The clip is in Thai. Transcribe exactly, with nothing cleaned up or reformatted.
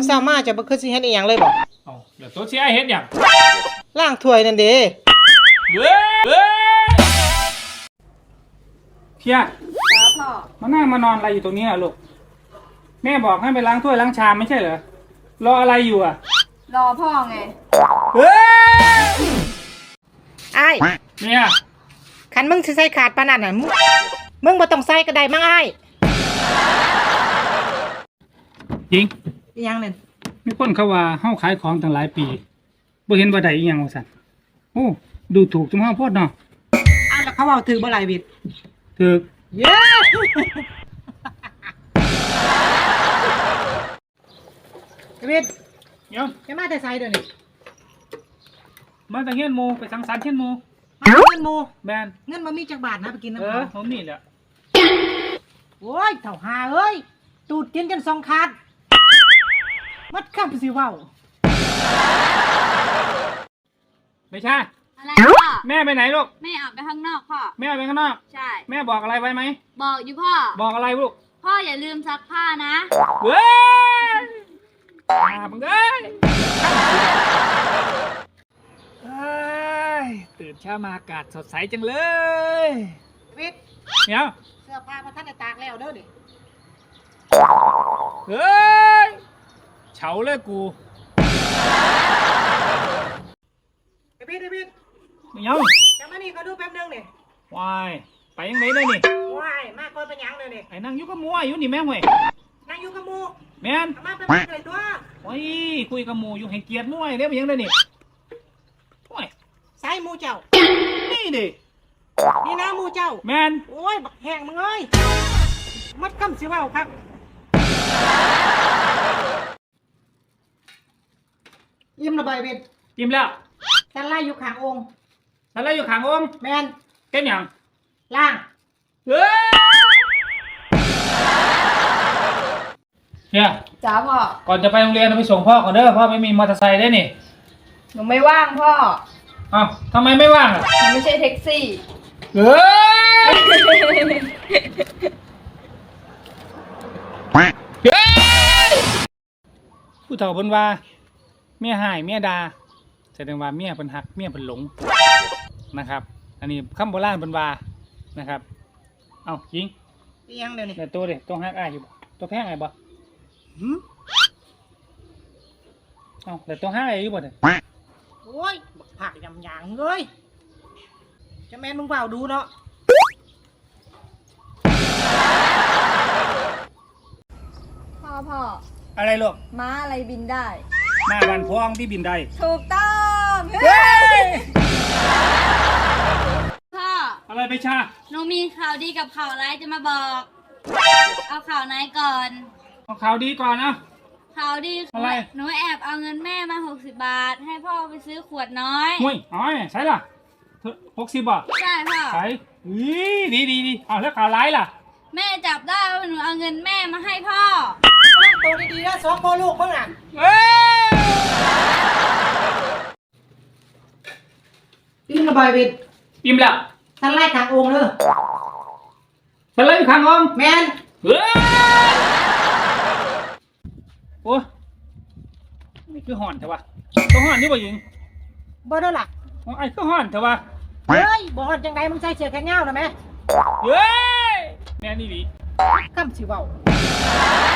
เช้ามาจะบ่คือสิเฮ็ดอีหยังเลยบ่เอ้าเดี๋ยวตัวสิไอ้เฮ็ดหยังล้างถ้วยนั่นเด้เว้ยเว้ยเพียครับพ่อมานั่งมานอนอะไรอยู่ตรงนี้อ่ะลูกแม่บอกให้ไปล้างถ้วยล้างชามไม่ใช่เหรอรออะไรอยู่อ่ะรอพ่อไงเฮ้ยอ้ายเนี่ยคันมึงสิใส่ขาดปานนั้นน่ะมึงมึงบ่ต้องใส่ก็ได้มั้งอ้ายจริงอีหยังนั่นมีคนเขาว่าเฮาขายของตั้งหลายปีบ่เห็นว่าได้อีหยังว่าซั่นโอ้ดูถูกจุมเฮาโพดเนาะอ้าวแล้วเขาเว้าถึงบ่หลายบิดถูกเย้บิดเดี๋ยวจะมาแต่ไสเด้อนี่มาแต่เฮียนหมู่ไปสังสรรค์เฮียนหมู่เงินหมู่แม่นเงินบ่มีจักบาทนะไปกินน้ำเออเขาผมนี่แหละโอ้ยเฒ่าหาเอ้ยตูดกินจนสองขาดมัดคำสิเว้าไม่ใช่อะไรพ่อแม่ไปไหนลูกแม่ออกไปข้างนอกพ่อแม่ไปข้างนอกใช่แม่บอกอะไรไว้ไหมบอกอยู่พ่อบอกอะไรลูกพ่ออย่าลืมซักผ้านะเว้ยมาบังเอ้ยตื่นเช้ามาอากาศสดใสจังเลยวิทย์เดี๋ยวเสื้อผ้ามาท่านได้ตากแล้วเด้อดิเฮ้ยเฉาเลยกูไอ้วิทย์ไอ้วิทย์เดี๋ยวจะมานี่ก็ดูแป๊บนึงนี่วายไปยังไงเลยนี่วายมากกว่าเป็นยังเลยนี่ไอ้นั่งอยู่กับหมูอยู่นี่แม่ห่วยนั่งอยู่กับหมูแม่นมาเป็นยังไงตัวโอ้ยคุยกับหมูอยู่ให้เกียรติมวยเด้ไปยังเลยนี่โอ้ยใส่หมูเจ้านี่ดินี่นะหมูเจ้าแม่นโอ้ยบักแห้งมึงเอ้ยมัดคำสิว่าครับยิ้มระบายเบ็ดยิ้มแล้วสันไล่อยู่ข้างองค์สันไล่อยู่ข้างองค์แมนเก็บยังล่างเฮ้ยเนี่ยจ้าพ่อก่อนจะไปโรงเรียนเราไปส่งพ่อก่อนเด้อพ่อไม่มีมอเตอร์ไซค์ได้นี่หนูไม่ว่างพ่ออ้าวทำไมไม่ว่างอ่ะหนูไม่ใช่แท็กซี่เฮ้ยผู้เฒ่าเพิ่นว่าเมียหายเมียดาแสดงว่าเมียเพิ่นหักเมียเพิ่นหลงนะครับอันนี้คำโบราณเพิ่นว่านะครับเอ้าจริงยังเดี๋ยวนี้แต่ตัวเด็กต้องหักอ้ายอยู่ตัวแพงไงบ่หืมเอ้าแต่ตัวหักอ้ายอยู่บ่เนี่ยโอ้ยผักยำยางเลยจะแม่นมึงเปล่าดูเนาะพ่อพ่ออะไรลูกม้าอะไรบินได้ม้าวันพองที่บินได้ถูกต้องเฮ้ยพ่ออะไรไปชาหนูมีข่าวดีกับข่าวร้ายจะมาบอกเอาข่าวไหนก่อนเอาข่าวดีก่อนนะข่าวดีอะไรหนูแอบเอาเงินแม่มาหกสิบบาทให้พ่อไปซื้อขวดน้อยหุ้ยอ๋อใช่ล่ะหกสิบบาทใช่พ่อใช่ดีดีดีเอาแล้วข่าวร้ายล่ะแม่จับได้ว่าหนูเอาเงินแม่มาให้พ่อตัวดีๆนะสองพ่อลูกมึงอ่ะเอ้ยยิ้มระบายเบ็ดยิ้มแล้วสันไล่ข้างองค์เลยสันไล่ข้างองค์แมนเฮ้ยโอ้นี่คือห่อนเถอะวะต้องห่อนนี่บ่ยิงบ่ได้หลักไอ้คือห่อนเถอะวะเฮ้ยบ่ห่อนจังไงมึงใส่เสื้อแขนยาวนะแม่เฮ้ยแม่นี่ดิคำสิเว้า